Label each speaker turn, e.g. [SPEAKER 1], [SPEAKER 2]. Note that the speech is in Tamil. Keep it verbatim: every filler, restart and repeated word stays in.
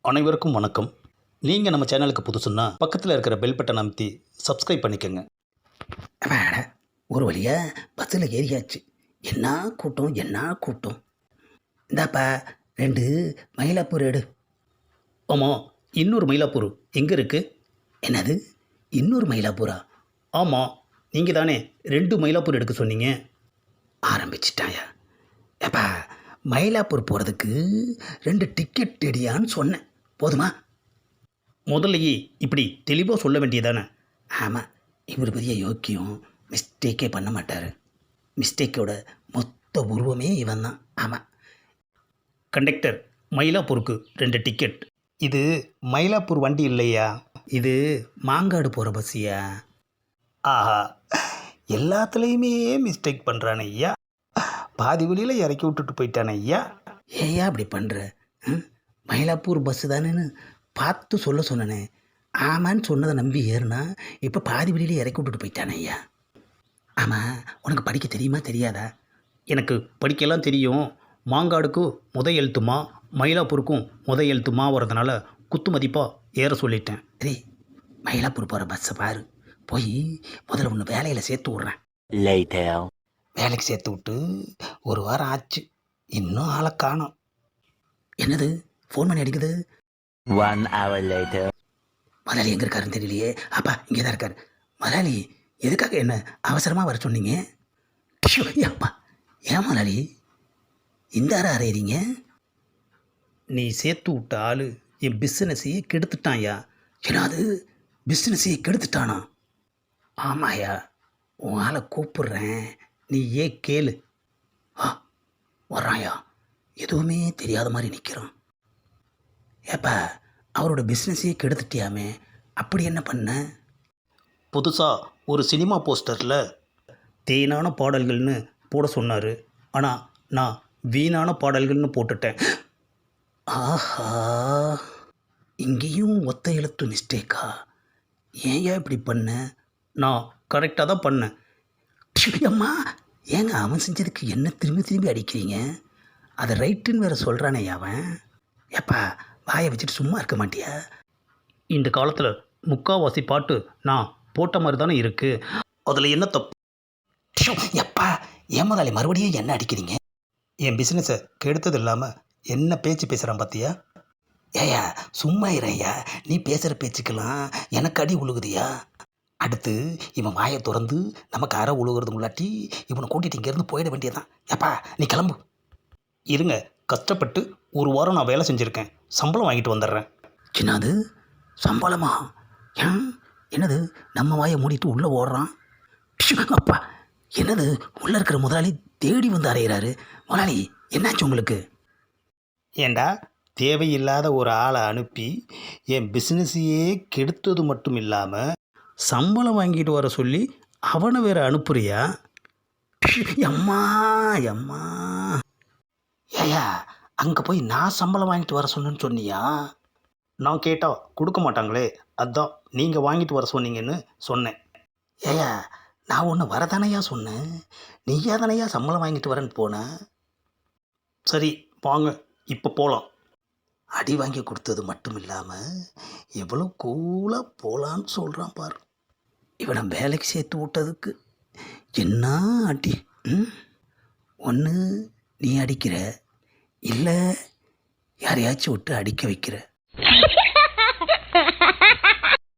[SPEAKER 1] அனைவருக்கும் வணக்கம். நீங்கள் நம்ம சேனலுக்கு புதுசுன்னா பக்கத்தில் இருக்கிற பெல் பட்டன் அமைத்தி சப்ஸ்கிரைப் பண்ணிக்கோங்க.
[SPEAKER 2] அட ஒரு வழியாக பஸ்ஸில் ஏறியாச்சு. என்ன கூட்டம் என்ன கூட்டம். இந்தாப்பா ரெண்டு மயிலாப்பூர் எடு.
[SPEAKER 1] ஆமாம், இன்னொரு மயிலாப்பூர் எங்கே இருக்குது?
[SPEAKER 2] என்னது இன்னொரு மயிலாப்பூரா?
[SPEAKER 1] ஆமாம், நீங்கள் தானே ரெண்டு மயிலாப்பூர் எடுக்க சொன்னீங்க.
[SPEAKER 2] ஆரம்பிச்சிட்டாயா? ஏப்பா மயிலாப்பூர் போகிறதுக்கு ரெண்டு டிக்கெட் எடியான்னு சொன்னேன், போதுமா?
[SPEAKER 1] முதல்லையே இப்படி தெளிவாக சொல்ல வேண்டியதானே.
[SPEAKER 2] ஆமாம், இவர் பெரிய யோக்கியம், மிஸ்டேக்கே பண்ண மாட்டார். மிஸ்டேக்கோட மொத்த உருவமே இவன் தான். ஆமாம்.
[SPEAKER 1] கண்டக்டர், மயிலாப்பூருக்கு ரெண்டு டிக்கெட். இது மயிலாப்பூர் வண்டி இல்லையா,
[SPEAKER 2] இது மாங்காடு போகிற பஸ்ஸியா?
[SPEAKER 1] ஆஹா, எல்லாத்துலேயுமே மிஸ்டேக் பண்ணுறானே ஐயா. பாதி வழியில் இறக்கி விட்டுட்டு போயிட்டானே ஐயா.
[SPEAKER 2] ஏயா அப்படி பண்ணுற? மயிலாப்பூர் பஸ்ஸு தானேன்னு பார்த்து சொல்ல சொன்னனே. ஆமான்னு சொன்னதை நம்பி ஏறுனா இப்போ பாதி வழியிலே இறக்கி விட்டுட்டு போயிட்டானே ஐயா. ஆமாம், உனக்கு படிக்க தெரியுமா தெரியாதா?
[SPEAKER 1] எனக்கு படிக்கலாம் தெரியும். மாங்காடுக்கும் முத எழுத்துமா, மயிலாப்பூருக்கும் முத எழுத்துமா வரதுனால குத்து மதிப்பாக ஏற சொல்லிட்டேன்.
[SPEAKER 2] சரி, மயிலாப்பூர் போகிற பஸ்ஸை பாரு. போய் முதல்ல ஒன்று வேலையில் சேர்த்து விட்றேன். வேலைக்கு சேர்த்து விட்டு ஒரு வாரம் ஆச்சு, இன்னும் ஆளை காணோம். என்னது ஃபோன் பண்ணி அடிக்குது?
[SPEAKER 3] One hour later.
[SPEAKER 2] முதலாளி எங்கே இருக்காருன்னு தெரியலையே. அப்பா இங்கே தான் இருக்கார். முதலாளி எதுக்காக என்ன அவசரமாக வர சொன்னீங்க? ஷோ, அப்பா ஏன் முதலாளி இந்த அறை அறையிறீங்க?
[SPEAKER 1] நீ சேர்த்து விட்ட ஆள் என் பிஸ்னஸையே கெடுத்துட்டான்யா.
[SPEAKER 2] ஏன்னாது பிஸ்னஸையே கெடுத்துட்டானா? ஆமாயா, உன் ஆளை கூப்பிடுறேன்,
[SPEAKER 1] நீ ஏன் கேளு.
[SPEAKER 2] ஆ வர்றாயா? எதுவுமே தெரியாத மாதிரி நிற்கிறான். ஏப்பா அவரோட பிஸ்னஸையே கெடுத்துட்டியாமே, அப்படி என்ன பண்ண?
[SPEAKER 1] புதுசாக ஒரு சினிமா போஸ்டரில் தேனான பாடல்கள்னு போட சொன்னார். ஆனால் நான் வீணான பாடல்கள்னு போட்டுட்டேன்.
[SPEAKER 2] ஆஹா, இங்கேயும் ஒத்த எழுத்து மிஸ்டேக்கா? ஏயா இப்படி பண்ண?
[SPEAKER 1] நான் கரெக்டாக தான் பண்ணேன்.
[SPEAKER 2] அம்மா ஏங்க அவன் செஞ்சதுக்கு என்ன திரும்பி திரும்பி அடிக்கிறீங்க? அதை ரைட்டுன்னு வேற சொல்கிறானே அவன். ஏப்பா வாயை வச்சுட்டு சும்மா இருக்க மாட்டியா?
[SPEAKER 1] இந்த காலத்தில் முக்காவாசி பாட்டு நான் போட்ட மாதிரி தானே இருக்குது. அதில் என்ன தப்பு?
[SPEAKER 2] எப்பா ஏன் முதலாளி மறுபடியும் என்ன அடிக்கிறீங்க?
[SPEAKER 1] என் பிஸ்னஸை கெடுத்தது இல்லாமல் என்ன பேச்சு பேசுகிறான் பார்த்தியா?
[SPEAKER 2] ஏயா சும்மா இறையா, நீ பேசுகிற பேச்சுக்கெல்லாம் எனக்கு அடி உழுகுதியா? அடுத்து இவன் வாயை திறந்து நமக்கு அரை உழுகிறது முன்னாட்டி இவனை கூட்டிகிட்டு இங்கேருந்து போயிட வேண்டியதான். ஏப்பா நீ கிளம்பு.
[SPEAKER 1] இருங்க, கஷ்டப்பட்டு ஒரு வாரம் நான் வேலை செஞ்சுருக்கேன், சம்பளம் வாங்கிட்டு வந்துடுறேன்.
[SPEAKER 2] என்னது சம்பளமா? ஏன் என்னது நம்ம வாயை மூடிட்டு உள்ளே ஓடுறான்? அப்பா என்னது உள்ளே இருக்கிற முதலாளி தேடி வந்து அறையிறாரு. முதலாளி என்னாச்சு உங்களுக்கு?
[SPEAKER 1] ஏண்டா, தேவையில்லாத ஒரு ஆளை அனுப்பி என் பிஸ்னஸையே கெடுத்தது மட்டும் இல்லாமல் சம்பளம் வாங்கிட்டு வர சொல்லி அவனை வேற அனுப்புறியா?
[SPEAKER 2] அம்மா அம்மா ஏயா அங்கே போய் நான் சம்பளம் வாங்கிட்டு வர சொன்னேன்னு சொன்னியா?
[SPEAKER 1] நான் கேட்டால் கொடுக்க மாட்டாங்களே, அதான் நீங்கள் வாங்கிட்டு வர சொன்னீங்கன்னு சொன்னேன்.
[SPEAKER 2] ஏயா நான் ஒன்று வரதானையா சொன்னேன், நீயா தானையா சம்பளம் வாங்கிட்டு வரேன்னு போனேன்.
[SPEAKER 1] சரி வாங்க, இப்போ போகலாம்.
[SPEAKER 2] அடி வாங்கி கொடுத்தது மட்டும் இல்லாமல் எவ்வளோ கூலாக போகலான்னு சொல்கிறான் பாரு. இவனை வேலைக்கு சேர்த்து விட்டதுக்கு என்ன அடி. ம் ஒன்று நீ அடிக்கிற, இல்லை யாரையாச்சும் விட்டு அடிக்க வைக்கிற.